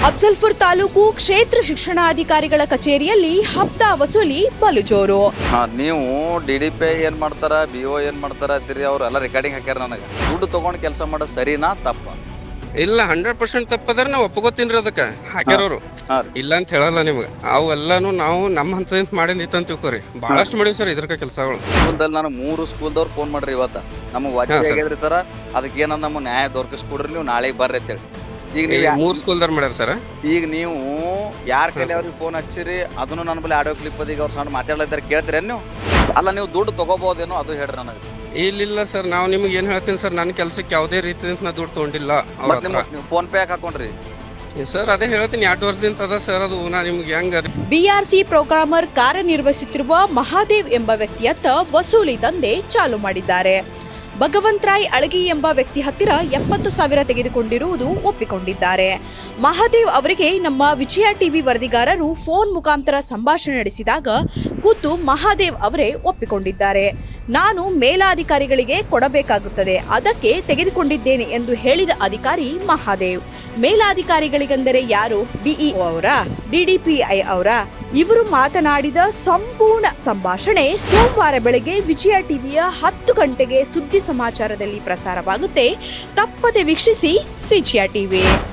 ಅಫ್ಜಲ್ಪುರ್ ತಾಲೂಕು ಕ್ಷೇತ್ರ ಶಿಕ್ಷಣಾಧಿಕಾರಿಗಳ ಕಚೇರಿಯಲ್ಲಿ ಹಪ್ತಾ ವಸೂಲಿ ಬಲು ಜೋರು. ನೀವು DDP ಏನ್ ಮಾಡ್ತಾರ, BO ಏನ್ ಮಾಡ್ತಾರ ಅಂತೀರಿ, ಅವ್ರೆಲ್ಲ ರೆಕಾರ್ಡಿಂಗ್ ಹಾಕ್ಯಾರ. ನನಗೆ ದುಡ್ಡು ತಗೊಂಡು ಕೆಲಸ ಮಾಡೋದು ಸರಿನಾ ತಪ್ಪ? ಇಲ್ಲ 100% ತಪ್ಪದ್ರ ನಾವು ಒಪ್ಕೋತೀನ್ರಿ. ಅದಕ್ಕೆ ಹಾಕ್ಯಾರವ್ರು ಇಲ್ಲ ಅಂತ ಹೇಳಲ್ಲ ನಿಮ್ಗೆ. ಅವೆಲ್ಲಾನು ನಾವು ನಮ್ಮ ಹಂತದಿಂದ ಮಾಡಿದ್ದು ಅಂತ ತಿಳ್ಕೊರಿ. ಬಹಳಷ್ಟು ಮಾಡಿವಿ ಸರ್ ಇದ್ರ ಕೆಲಸಗಳು. ಸ್ಕೂಲ್ದಲ್ಲಿ ನಾನು 3 ಸ್ಕೂಲ್ದವ್ರು ಫೋನ್ ಮಾಡ್ರಿ ಇವತ್ತ ನಮಗೆ ವಾಚ್ ಆಗಿದ್ರಿ ಸರ್, ಅದಕ್ಕೆ ಏನಂದ ನಮ್ಮ ನ್ಯಾಯ ದೊರಕಿಸ್ಕೊಡ್ರಿ, ನೀವು ನಾಳೆಗೆ ಬರ್ರಿ ಅಂತೇಳಿ. ಈಗ ನೀವು 3 ಸ್ಕೂಲ್ದಾರ್ ಮಾಡ್ಯಾರ ಸರ್. ಈಗ ನೀವು ಯಾರ ಕೈಲಿ ಅವ್ರಿಗೆ ಫೋನ್ ಹಚ್ಚಿರಿ, ಅದನ್ನು ನನ್ನ ಬಳಿ ಆಡಿಯೋ ಕ್ಲಿಪ್ ಅದೀಗ ಅವ್ರು ಸಣ್ಣ ಮಾತಾಡ್ಲಿದ್ದಾರೆ, ಕೇಳ್ತೀರೇನು ನೀವು? ಅಲ್ಲ ನೀವು ದುಡ್ಡು ತಗೋಬಹುದೇನೋ ಅದು ಹೇಳ್ರಿ ನನಗೆ. ಇಲ್ಲ ಸರ್, ನಾವು ನಿಮ್ಗೆ ಏನ್ ಹೇಳ್ತೀನಿ ಸರ್, ನನ್ನ ಕೆಲಸಕ್ಕೆ ಯಾವುದೇ ರೀತಿಯಿಂದ ನಾ ದುಡ್ಡು ತಗೊಂಡಿಲ್ಲ. ನೀವು ಫೋನ್ ಪೇ ಹಾಕೊಂಡ್ರಿ ಸರ್? ಅದೇ ಹೇಳ್ತೀನಿ, 2 ವರ್ಷದಿಂದ ಅದ ಸರ್. ಅದು ನಾ ನಿಮ್ಗೆ ಹೆಂಗ BRC ಪ್ರೋಗ್ರಾಮರ್ ಕಾರ್ಯನಿರ್ವಹಿಸುತ್ತಿರುವ ಮಹಾದೇವ್ ಎಂಬ ವ್ಯಕ್ತಿಯತ್ತ ವಸೂಲಿ ದಂಧೆ ಚಾಲು ಮಾಡಿದ್ದಾರೆ. ಭಗವಂತರಾಯ್ ಅಳಗಿ ಎಂಬ ವ್ಯಕ್ತಿ ಹತ್ತಿರ 70,000 ತೆಗೆದುಕೊಂಡಿರುವುದು ಒಪ್ಪಿಕೊಂಡಿದ್ದಾರೆ. ಮಹಾದೇವ್ ಅವರಿಗೆ ನಮ್ಮ ವಿಜಯ ಟಿವಿ ವರದಿಗಾರರು ಫೋನ್ ಮುಖಾಂತರ ಸಂಭಾಷಣೆ ನಡೆಸಿದಾಗ ಖುದ್ದು ಮಹಾದೇವ್ ಅವರೇ ಒಪ್ಪಿಕೊಂಡಿದ್ದಾರೆ. ನಾನು ಮೇಲಾಧಿಕಾರಿಗಳಿಗೆ ಕೊಡಬೇಕಾಗುತ್ತದೆ, ಅದಕ್ಕೆ ತೆಗೆದುಕೊಂಡಿದ್ದೇನೆ ಎಂದು ಹೇಳಿದ ಅಧಿಕಾರಿ ಮಹಾದೇವ್. ಮೇಲಾಧಿಕಾರಿಗಳಿಗೆಂದರೆ ಯಾರು? BEO ಅವರ, DDPI ಅವರ? ಇವರು ಮಾತನಾಡಿದ ಸಂಪೂರ್ಣ ಸಂಭಾಷಣೆ ಸೋಮವಾರ ಬೆಳಗ್ಗೆ ವಿಜಯ ಟಿವಿಯ 10 ಗಂಟೆಗೆ ಸುದ್ದಿ ಸಮಾಚಾರದಲ್ಲಿ ಪ್ರಸಾರವಾಗುತ್ತೆ. ತಪ್ಪದೆ ವೀಕ್ಷಿಸಿ ವಿಜಯ ಟಿವಿ.